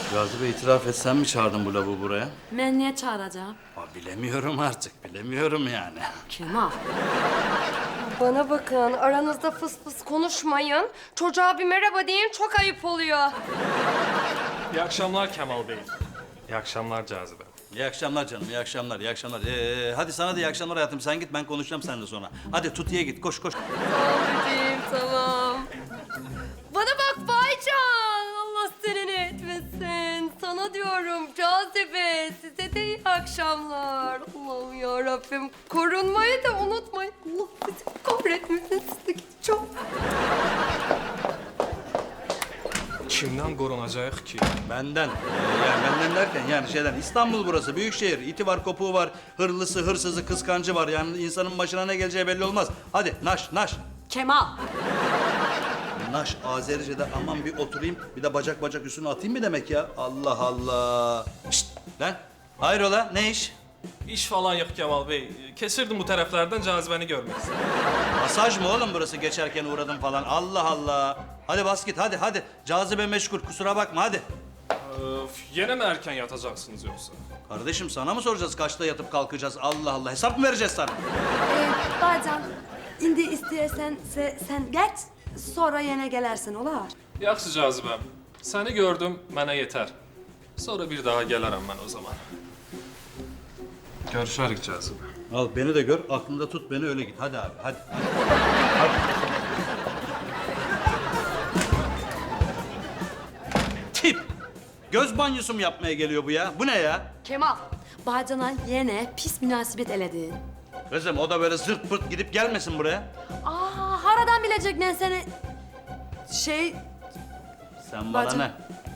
Cazibe itiraf et, sen mi çağırdın bu lavuğu buraya? Ben niye çağıracağım? Bilemiyorum artık, bilemiyorum yani. Kemal. Bana bakın, aranızda fıs fıs konuşmayın. Çocuğa bir merhaba deyin, çok ayıp oluyor. İyi akşamlar Kemal Bey. İyi akşamlar Cazibe. İyi akşamlar canım, iyi akşamlar, iyi akşamlar. Hadi sana da iyi akşamlar hayatım, sen git, ben konuşacağım seninle sonra. Hadi Tuti'ye git, koş koş. Tamam bebeğim, tamam. Bana bak Baycan, Allah seni ne etmesin. Sana diyorum Cazibe, size de iyi akşamlar. Allah'ım ya Rabbim, korunmayı da unutmayın. Allah sizi kahretmesin, siz de gideceğim. Kimden korunacak ki? Benden. Yani benden derken yani şeyden, İstanbul burası, büyük şehir. İti var, kopuğu var, hırlısı, hırsızı, kıskancı var. Yani insanın başına ne geleceği belli olmaz. Hadi naş, naş. Kemal. Naş, Azerice'de aman bir oturayım, bir de bacak bacak üstüne atayım mı demek ya? Allah Allah. Şşt lan, hayrola, ne iş? İş falan yok Kemal Bey. Kesirdim bu taraflardan Cazibe'ni görmek istedim. Masaj mı oğlum burası, geçerken uğradım falan? Allah Allah. Hadi bas git, hadi hadi. Cazibe meşgul, kusura bakma hadi. Yine mi erken yatacaksınız yoksa? Kardeşim sana mı soracağız kaçta yatıp kalkacağız? Allah Allah, hesap mı vereceğiz sana? Bacan, indi istiyorsan sen geç, sonra yine gelersin, olar. Yaxşı Cazibem. Seni gördüm, mənə yeter. Sonra bir daha gelirim ben o zaman. Görüşerik Cazibe. Al beni de gör, aklında tut beni, öyle git. Hadi abi, hadi. Tip! Göz banyosu mu yapmaya geliyor bu ya? Bu ne ya? Kemal. Bacana yine pis münasebet eledin. Kızım o da böyle zırt pırt gidip gelmesin buraya. Haradan bilecek ben seni... Sen bana Bacım. ne?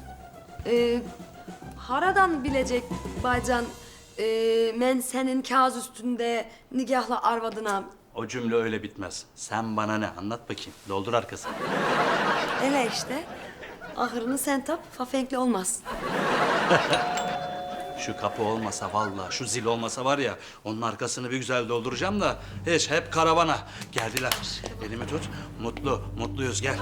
Haradan bilecek Bacan... ben senin kağız üstünde nigahla arvadına... O cümle öyle bitmez. Sen bana ne? Anlat bakayım. Doldur arkasını. Ele işte. Ahırını sen tap, fafenkli olmaz. Şu kapı olmasa vallahi, şu zil olmasa var ya, onun arkasını bir güzel dolduracağım da hiç hep karavana. Geldiler. Elimi tut. Mutluyuz gel.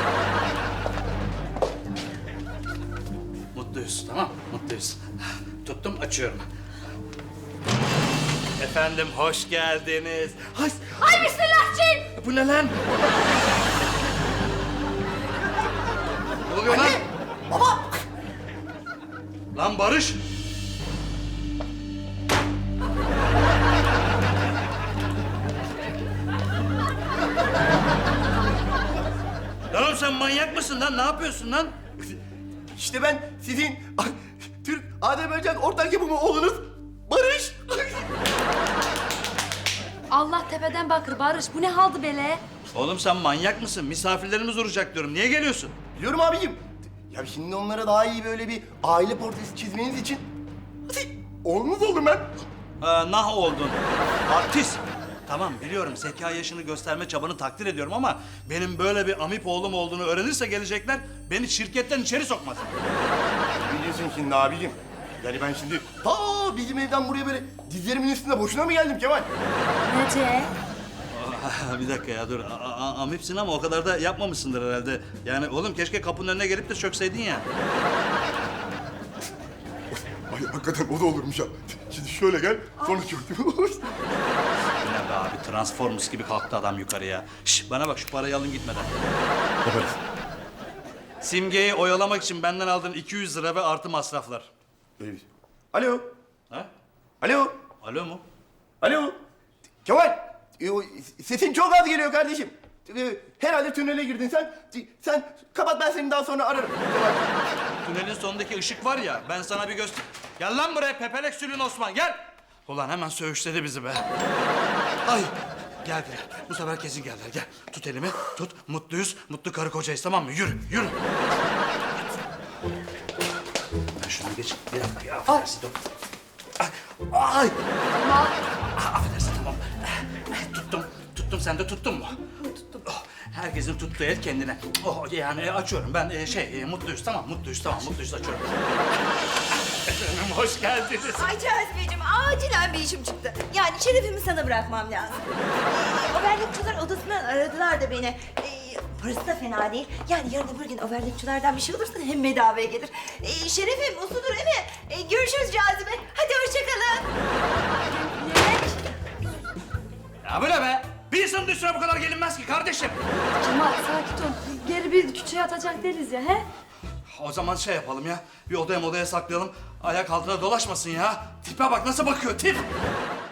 Mutluyuz, tamam? Mutluyuz. Tuttum, açıyorum. Efendim, hoş geldiniz. Ay bismillahçıyım. Bu ne lan? Ne oluyor lan? Baba. Lan Barış! Lan oğlum sen manyak mısın lan? Ne yapıyorsun lan? İşte ben sizin Türk Azerbaycan ortak yapımı oğlunuz Barış. Allah tepeden bakır Barış, bu ne haldı böyle? Oğlum sen manyak mısın? Misafirlerimiz uğrayacak diyorum. Niye geliyorsun? Biliyorum abicim. Ya şimdi onlara daha iyi böyle bir aile portresi çizmeniz için oğlunuz oldum ben. Nah oldun. Artist. Tamam biliyorum, zeka yaşını gösterme çabanı takdir ediyorum ama benim böyle bir amip oğlum olduğunu öğrenirse gelecekler beni şirketten içeri sokmaz. Ne diyorsun şimdi abicim? Yani ben şimdi ta bizim evden buraya böyle dizlerimin üstünde boşuna mı geldim Kemal? Nece? Bir dakika ya dur. Amipsin ama o kadar da yapmamışsındır herhalde. Yani oğlum keşke kapının önüne gelip de çökseydin ya. Ay hakikaten o da olurmuş ha. Şimdi şöyle gel, sonra çök. Ne be abi, Transformers gibi kalktı adam yukarıya. Şş, bana bak, şu parayı alın gitmeden. Yaparız. Simge'yi oyalamak için benden aldığın 200 lira ve artı masraflar. Öyle. Alo. Ha? Alo. Alo mu? Alo. Kemal. O sesin çok az geliyor kardeşim. Herhalde tünele girdin sen. Sen kapat, ben seni daha sonra ararım. Kemal. Tünelin sonundaki ışık var ya, ben sana bir göster... Gel lan buraya Pepelek Sülün Osman, gel! Ulan hemen söğüşledi bizi be. Ay, geldiler. Bu sefer kesin geldiler. Gel, tut elimi, tut. Mutluyuz, mutlu karı kocayız, tamam mı? Yürü, yürü. Ben şunu geç, bir dakika ya. Affedersin, dur. Ay! Affedersin, tamam. Tuttum, sen de tuttun mu? Tuttum. Oh, herkesin tuttuğu el kendine. Oh, yani açıyorum ben, mutluyuz, tamam, mutluyuz, açıyorum. Efendim, hoş geldiniz. Ay Cazibeciğim, acilen bir işim çıktı. Yani şerefimi sana bırakmam lazım. O bardakçılar odasından aradılar da beni. Burası da fena değil. Yani yarın öbür gün overlockçulardan bir şey olursa hem bedavaya gelir. Şerefim usludur değil mi? Görüşürüz Cazibe. Hadi hoşçakalın. Ya bu ne be? Bir insanın üstüne bu kadar gelinmez ki kardeşim. Kemal sakin ol. Geri bir küçüğe atacak değiliz ya he? O zaman şey yapalım ya. Bir odaya saklayalım. Ayak altına dolaşmasın ya. Tipe bak nasıl bakıyor tip.